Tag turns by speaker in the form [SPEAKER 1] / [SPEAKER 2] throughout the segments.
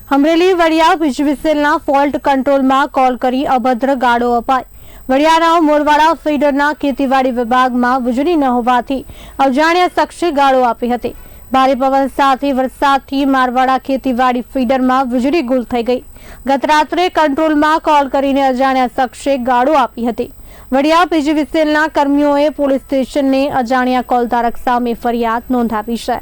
[SPEAKER 1] અમરેલી વડિયા વીજવિસેલના ફોલ્ટ કંટ્રોલમાં કોલ કરી અભદ્ર ગાળો અપાઈ। વડિયાના મોરવાડા ફીડરના ખેતીવાડી વિભાગમાં વીજળી ન હોવાથી અજાણ્યા શખ્સે ગાળો આપી હતી। ભારે પવન સાથે વરસાદથી મારવાડા ખેતીવાડી ફીડરમાં વીજળી ગુલ થઈ ગઈ। ગત રાત્રે કંટ્રોલમાં કોલ કરીને અજાણ્યા શખ્સે ગાળો આપી હતી। વડિયા વીજવિસેલના કર્મીઓએ પોલીસ સ્ટેશનને અજાણ્યા કોલધારક સામે ફરિયાદ નોંધાવી છે।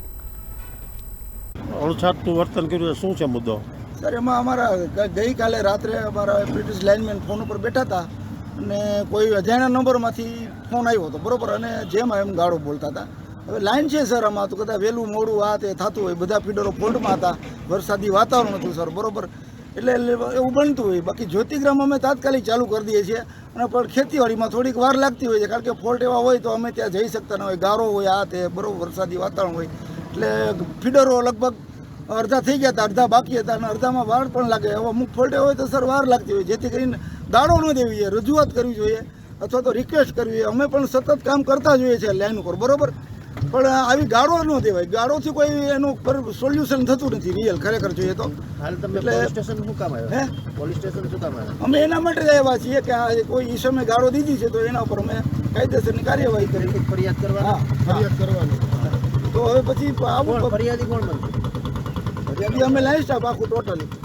[SPEAKER 2] અણછાટનું વર્તન કર્યું શું છે મુદ્દો?
[SPEAKER 3] સર, એમાં અમારા ગઈકાલે રાત્રે અમારા બ્રિટિશ લાઇનમેન ફોન ઉપર બેઠા હતા અને કોઈ અજાણ્યા નંબરમાંથી ફોન આવ્યો હતો, બરોબર, અને જેમ એમ ગાળો બોલતા હતા। હવે લાઇન છે સર, આમાં તો કદાચ વહેલું મોડું આ તે થતું હોય, બધા ફીડરો ફોલ્ટમાં હતા, વરસાદી વાતાવરણ હતું સર, બરોબર, એટલે એવું બનતું હોય। બાકી જ્યોતિગ્રામ અમે તાત્કાલિક ચાલુ કરી દઈએ છીએ, અને પણ ખેતીવાડીમાં થોડીક વાર લાગતી હોય છે, કારણ કે ફોલ્ટ એવા હોય તો અમે ત્યાં જઈ શકતા ન હોય, ગારો હોય, આ તે, બરોબર, વરસાદી વાતાવરણ હોય, એટલે ફીડરો લગભગ અડધા થઈ ગયા હતા, અડધા બાકી હતા, અને અડધામાં વાર પણ લાગે। હવે અમુક ફોલ્ટ હોય તો સર વાર લાગતી હોય, જેથી કરીને દાડો ન દેવી જોઈએ, રજૂઆત કરવી જોઈએ અથવા તો રિક્વેસ્ટ કરવી જોઈએ। અમે પણ સતત કામ કરતા જોઈએ છીએ લાઈન ઉપર, બરોબર, પણ આવી ગાળો ન દેવાય, ગાળોથી કોઈ એનું સોલ્યુશન થતું નથી રિયલ ખરેખર જોઈએ તો। અમે એના માટે જ આવ્યા છીએ કે આ કોઈ ઈસમે ગાળો દીધી છે તો એના ઉપર અમે કાયદેસરની કાર્યવાહી કરી
[SPEAKER 2] ફરિયાદ કરવાની।
[SPEAKER 3] તો હવે પછી આવું
[SPEAKER 2] ફરિયાદી કોણ બનશે?
[SPEAKER 3] ફરિયાદી અમે લાઈન સ્ટાફ આખું ટોટલી